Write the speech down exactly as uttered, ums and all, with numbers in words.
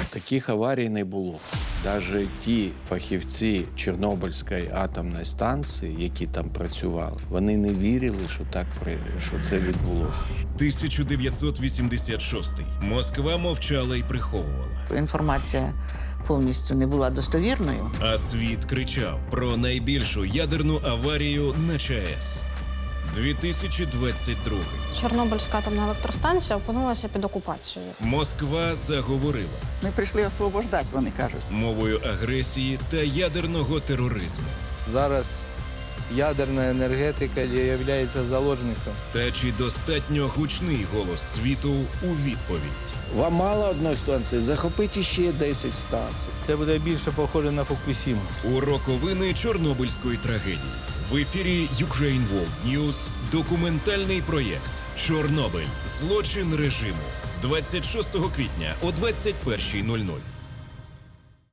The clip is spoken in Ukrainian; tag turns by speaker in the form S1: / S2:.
S1: Таких аварій не було. Навіть ті фахівці Чорнобильської атомної станції, які там працювали, вони не вірили, що так що це відбулося.
S2: тисяча дев'ятсот вісімдесят шостий. Москва мовчала і приховувала.
S3: Інформація повністю не була достовірною.
S2: А світ кричав про найбільшу ядерну аварію на ЧАЕС. дві тисячі двадцять другий.
S4: Чорнобильська атомна електростанція опинилася під окупацією.
S2: Москва заговорила
S5: Ми прийшли освобождати, вони кажуть.
S2: мовою агресії та ядерного тероризму.
S6: Зараз ядерна енергетика є заложником.
S2: Та чи достатньо гучний голос світу у відповідь?
S1: Вам мало одної станції, захопіть ще десять станцій.
S6: Це буде більше похоже на Фукусіму.
S2: У роковини Чорнобильської трагедії. В ефірі Ukraine World News документальний проєкт «Чорнобиль. Злочин режиму». двадцять шостого квітня о двадцять першій нуль нуль.